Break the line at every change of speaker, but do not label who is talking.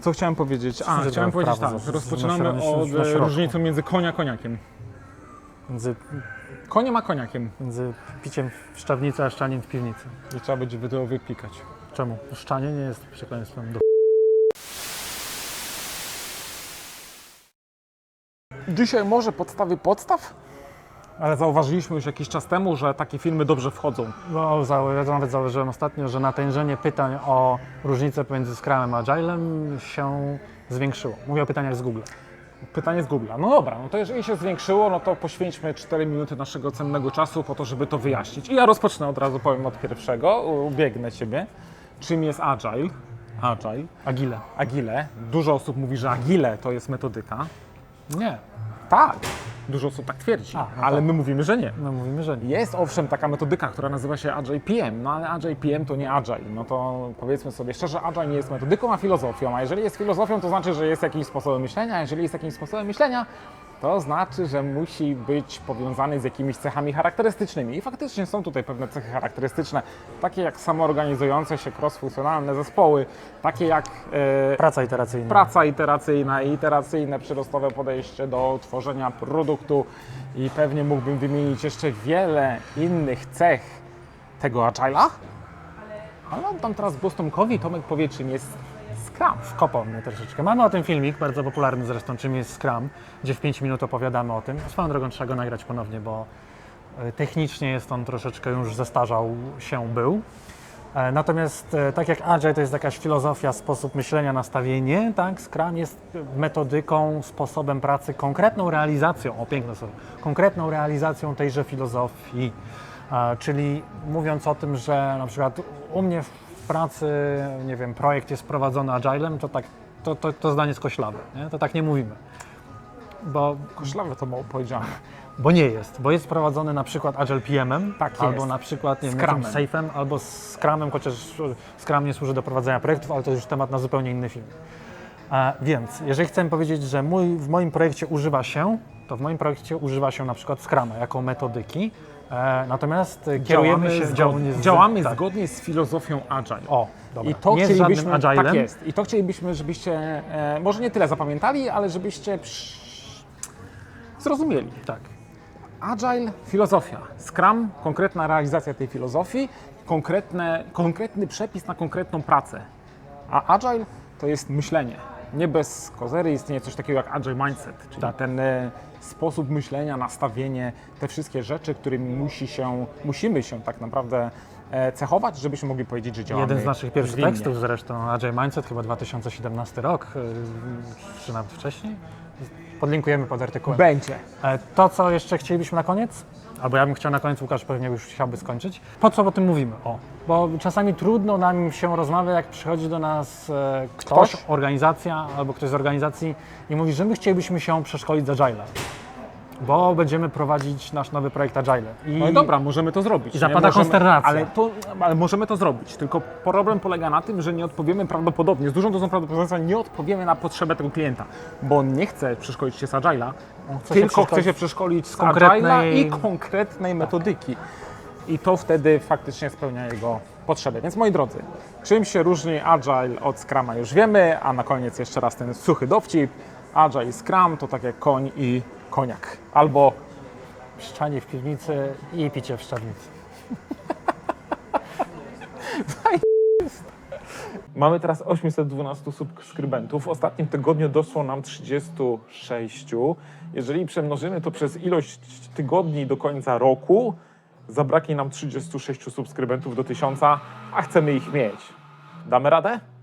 Co chciałem powiedzieć? Chciałem powiedzieć tak, rozpoczynamy od różnicy między konia a koniakiem.
Między
Koniem a koniakiem.
Między piciem w szczawnicy a szczaniem w piwnicy.
I trzeba będzie to wypikać.
Czemu? Szczanie nie jest przekleństwem do...
Dzisiaj może podstawy podstaw? Ale zauważyliśmy już jakiś czas temu, że takie filmy dobrze wchodzą.
No, ja nawet zauważyłem ostatnio, że natężenie pytań o różnicę pomiędzy Scrumem a Agilem się zwiększyło. Mówię o pytaniach z Google.
Pytanie z Google'a. No dobra, no to jeżeli się zwiększyło, no to poświęćmy 4 minuty naszego cennego czasu po to, żeby to wyjaśnić. I ja rozpocznę od razu, powiem od pierwszego, ubiegnę Ciebie. Czym jest Agile? Agile. Dużo osób mówi, że Agile to jest metodyka.
Nie.
Tak. Dużo osób tak twierdzi, ale my mówimy, że nie.
My mówimy, że nie.
Jest owszem taka metodyka, która nazywa się Agile PM, no ale Agile PM to nie Agile. No to powiedzmy sobie szczerze, Agile nie jest metodyką, a filozofią. A jeżeli jest filozofią, to znaczy, że jest jakimś sposobem myślenia, a jeżeli jest jakimś sposobem myślenia, to znaczy, że musi być powiązany z jakimiś cechami charakterystycznymi. I faktycznie są tutaj pewne cechy charakterystyczne, takie jak samoorganizujące się cross-funkcjonalne zespoły, takie jak praca iteracyjna i iteracyjne przyrostowe podejście do tworzenia produktu i pewnie mógłbym wymienić jeszcze wiele innych cech tego Agile'a, ale oddam teraz głos Tomkowi. Tomek powie, czym jest Scrum.
Wkopał mnie troszeczkę. Mamy o tym filmik, bardzo popularny zresztą, czym jest Scrum, gdzie w 5 minut opowiadamy o tym. Swoją drogą trzeba go nagrać ponownie, bo technicznie jest on troszeczkę już zestarzał się był. Natomiast tak jak Agile to jest jakaś filozofia, sposób myślenia, nastawienie, tak, Scrum jest metodyką, sposobem pracy, konkretną realizacją, piękne słowo, konkretną realizacją tejże filozofii. Czyli mówiąc o tym, że na przykład u mnie w pracy, nie wiem, projekt jest prowadzony Agilem, to tak, to zdanie jest koślawe, nie? To tak nie mówimy. Bo
koślawe to mało powiedziane.
Bo nie jest, bo jest prowadzony na przykład Agile PM-em,
tak
albo na przykład nie wiem, Safe'em, albo Scrumem, chociaż Scrum nie służy do prowadzenia projektów, ale to już temat na zupełnie inny film. Więc jeżeli chcę powiedzieć, że w moim projekcie używa się, to w moim projekcie używa się na przykład Scruma jako metodyki, natomiast
działamy zgodnie z filozofią Agile.
Dobra.
I to
nie
chcielibyśmy,
Agilem.
tak jest. I to chcielibyśmy, żebyście może nie tyle zapamiętali, ale żebyście zrozumieli.
Tak.
Agile, filozofia. Scrum, konkretna realizacja tej filozofii, konkretny przepis na konkretną pracę. A Agile to jest myślenie. Nie bez kozery istnieje coś takiego jak Agile Mindset, czyli ten sposób myślenia, nastawienie, te wszystkie rzeczy, którymi musimy się tak naprawdę cechować, żebyśmy mogli powiedzieć, że działamy
Jeden z naszych pierwszych
zwinnie.
tekstów zresztą, Agile Mindset, chyba 2017 rok, czy nawet wcześniej. Podlinkujemy pod artykułem.
Będzie.
To, co jeszcze chcielibyśmy na koniec, albo ja bym chciał na koniec, Łukasz pewnie już chciałby skończyć. Po co o tym mówimy? Bo czasami trudno nam się rozmawia, jak przychodzi do nas ktoś, organizacja, albo ktoś z organizacji i mówi, że my chcielibyśmy się przeszkolić z Agile'a, bo będziemy prowadzić nasz nowy projekt Agile.
No i dobra, możemy to zrobić.
I zapada konsternacja.
Ale możemy to zrobić, tylko problem polega na tym, że nie odpowiemy prawdopodobnie, z dużą dozą prawdopodobieństwa nie odpowiemy na potrzebę tego klienta, bo on nie chce przeszkolić się z Agile'a, tylko chce się przeszkolić z Agile'a i konkretnej metodyki. I to wtedy faktycznie spełnia jego potrzeby. Więc moi drodzy, czym się różni Agile od Scruma już wiemy, a na koniec jeszcze raz ten suchy dowcip. Agile i Scrum to tak jak koń i koniak. Albo
szczanie w piwnicy i picie w szczawnicy.
Mamy teraz 812 subskrybentów. W ostatnim tygodniu doszło nam 36. Jeżeli przemnożymy to przez ilość tygodni do końca roku, zabraknie nam 36 subskrybentów do 1000, a chcemy ich mieć. Damy radę?